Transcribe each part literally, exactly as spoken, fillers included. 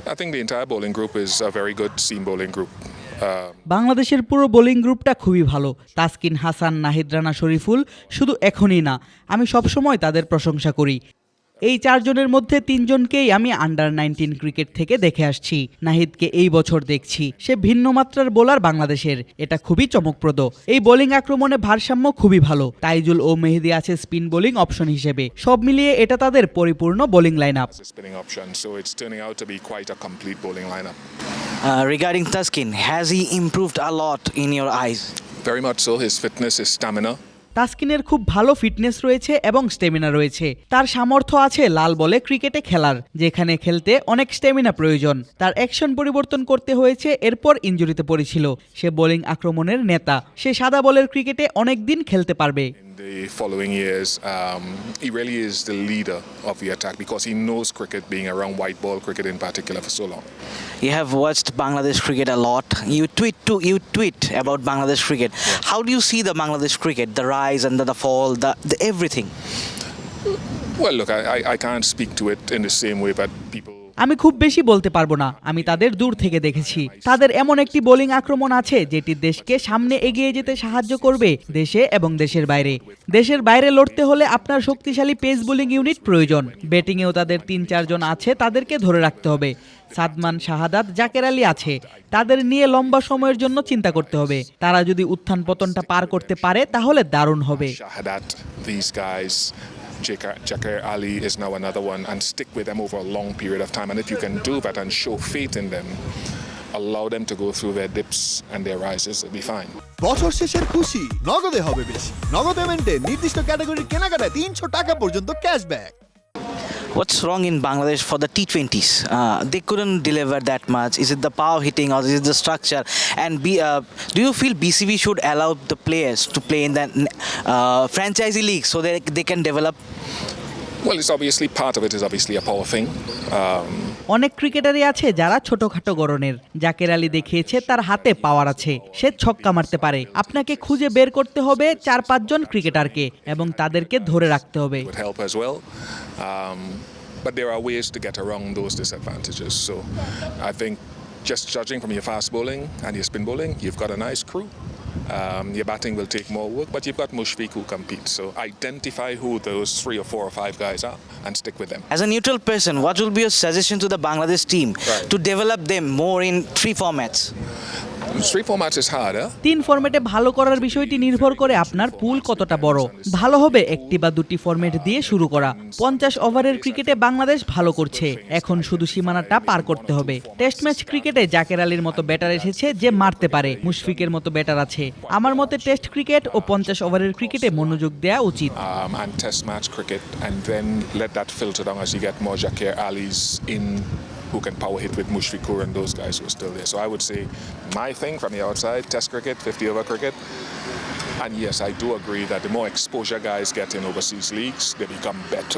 I think the entire bowling group is a very good seam bowling group. Um, বাংলাদেশের পুরো bowling গ্রুপটা খুবই ভালো। তাসকিন, হাসান, নাহিদ রানা, শরীফুল শুধু এখনই না, আমি সবসময় তাদের প্রশংসা করি। এই চারজনের মধ্যে তিনজনকেই আমি আন্ডার নাইনটিন ক্রিকেট থেকে দেখে আসছি। নাহিদকে এই বছর দেখছি, সে ভিন্ন মাত্রার বোলার বাংলাদেশের, এটা খুবই চমকপ্রদ। এই বোলিং আক্রমণে ভারসাম্য খুবই ভালো। তাইজুল ও মেহেদী আছে স্পিন বোলিং অপশন হিসেবে। সব মিলিয়ে এটা তাদের পরিপূর্ণ bowling line up. as a spinning option, so it's turning out to be quite a complete bowling lineup. Uh, regarding Taskin, has he improved a lot in your eyes? Very much so. His fitness, his stamina. তাসকিনের খুব ভালো fitness রয়েছে এবং stamina রয়েছে। তার সামর্থ্য আছে লাল বলে ক্রিকেটে খেলার, যেখানে খেলতে অনেক স্টেমিনা প্রয়োজন। তার অ্যাকশন পরিবর্তন করতে হয়েছে, এরপর ইনজুরিতে পড়েছিল। সে বোলিং আক্রমণের নেতা, সে সাদা বলের ক্রিকেটে অনেক দিন খেলতে পারবে। In the following years, um, he really is the leader of the attack because he knows cricket, being around white ball cricket in particular for so long. You have watched Bangladesh cricket a lot. You tweet to you tweet about Bangladesh cricket. How do you see the Bangladesh cricket, the rise and the, the fall, the, the everything? Well, look, I, I, I can't speak to it in the same way, but people. আমি খুব বেশি বলতে পারবো না, আমি তাদের দূর থেকে দেখেছি। তাদের এমন একটি বোলিং আক্রমণ আছে যেটি দেশকে সামনে এগিয়ে যেতে সাহায্য করবে, দেশে এবং দেশের বাইরে। দেশের বাইরে লড়তে হলে আপনার শক্তিশালী পেস বোলিং ইউনিট প্রয়োজন। ব্যাটিংয়েও তাদের তিন চারজন আছে, তাদেরকে ধরে রাখতে হবে। সাদমান, শাহাদাত, জাকের আলী আছে, তাদের নিয়ে লম্বা সময়ের জন্য চিন্তা করতে হবে। তারা যদি উত্থান পতনটা পার করতে পারে তাহলে দারুণ হবে। Shahadat, these guys, Jakar Ali is now another one, and stick with them over a long period of time. And if you can do that and show faith in them, allow them to go through their dips and their rises, it'll be fine. বছর শেষের খুশি নগদে হবে বেশি। নগদ পেমেন্টে নির্দিষ্ট ক্যাটাগরির কেনাকাটায় তিনশো টাকা পর্যন্ত cashback. What's wrong in Bangladesh for the T twenties? Uh, they couldn't deliver that much. Is it the power hitting or is it the structure? And be, uh, do you feel B C B should allow the players to play in the uh, franchisee league so that they can develop? Well, it's obviously part of it is obviously a power thing. Um, অনেক ক্রিকেটারই আছে যারা ছোটখাটো গড়নের। জাকের আলী দেখিয়েছে তার হাতে পাওয়ার আছে, সে ছক্কা মারতে পারে। আপনাকে খুঁজে বের করতে হবে চার পাঁচজন ক্রিকেটারকে এবং তাদেরকে ধরে রাখতে হবে। would help as well. Um, but there are ways to get around those disadvantages. So I think just judging from your fast bowling and your spin bowling, you've got a nice crew. Um, your batting will take more work, but you've got Mushfiq who competes. So identify who those three or four or five guys are and stick with them. As a neutral person, what will be your suggestion to the Bangladesh team Right. to develop them more in three formats? Three formats is hard, huh? তিন ফরম্যাটে ভালো করার বিষয়টি নির্ভর করে আপনার পুল কতটা বড়। ভালো হবে একটি বা দুটি ফরম্যাট দিয়ে শুরু করা। পঞ্চাশ ওভারের ক্রিকেটে বাংলাদেশ ভালো করছে, এখন শুধু সীমানাটা পার করতে হবে। টেস্ট ম্যাচ ক্রিকেটে জাকের আলীর মতো ব্যাটার এসেছে যে মারতে পারে, মুশফিকের মতো ব্যাটার আছে। আমার মতে টেস্ট ক্রিকেট ও পঞ্চাশ ওভারের ক্রিকেটে মনোযোগ দেওয়া উচিত। Um, and test match cricket, and then let that filter down as you get more Jakir Ali's in who can power hit with Mushfiqur and those guys who are still there. So I would say my thing from the outside, test cricket, fifty over cricket. And yes, I do agree that the more exposure guys get in overseas leagues, they become better.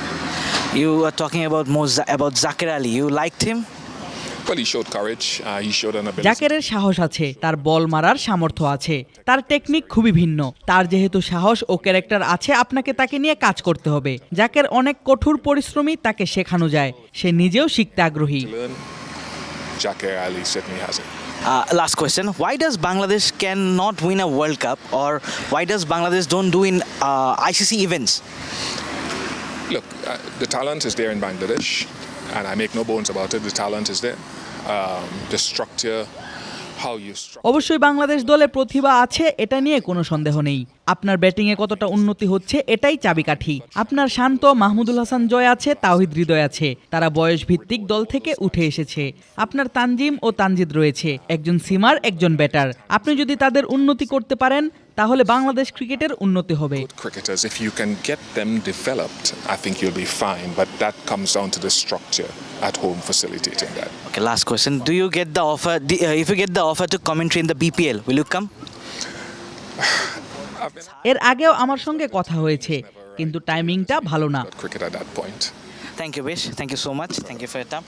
You are talking about more about Zakir Ali. You liked him? Well, he showed courage. Uh, he showed an ability. জাকেরের সাহস আছে, তার বল মারার সামর্থ্য আছে, তার technique খুবই ভিন্ন। তার যেহেতু সাহস ও ক্যারেক্টার আছে, আপনাকে তাকে নিয়ে কাজ করতে হবে। জাকের অনেক কঠোর পরিশ্রমী, তাকে শেখানো যায়, সে নিজেও শিখতে আগ্রহী। Learn. Jakir Ali certainly has it. Uh, last question: why does Bangladesh cannot win a World Cup, or why does Bangladesh don't do in uh, I C C events? Look, uh, the talent is there in Bangladesh, and I make no bones about it. The talent is there. Um, the structure, how you structure. অবশ্যই বাংলাদেশ দলে প্রতিভা আছে, এটা নিয়ে কোনো সন্দেহ নেই। আপনার ব্যাটিংয়ে কতটা উন্নতি হচ্ছে এটাই চাবিকাঠি। আপনার শান্ত, মাহমুদুল হাসান জয় আছে, তাওহিদ হৃদয় আছে, তারা বয়স ভিত্তিক দল থেকে উঠে এসেছে। আপনার তানজিম ও তানজিদ রয়েছে, একজন সিমার, একজন ব্যাটার। আপনি যদি তাদের উন্নতি করতে পারেন তাহলে বাংলাদেশ ক্রিকেটের উন্নতি হবে। Cricketers, if you can get them developed, I think you'll be fine. But that comes down to the structure at home facilitating that. Okay, last question: do you get the offer? Uh, if you get the offer to commentary in the B P L, will you come? I've been এর আগেও আমার সঙ্গে কথা হয়েছে, কিন্তু টাইমিংটা ভালো না। at cricket at that point. Thank you, Bish. Thank you so much. Thank you for your time.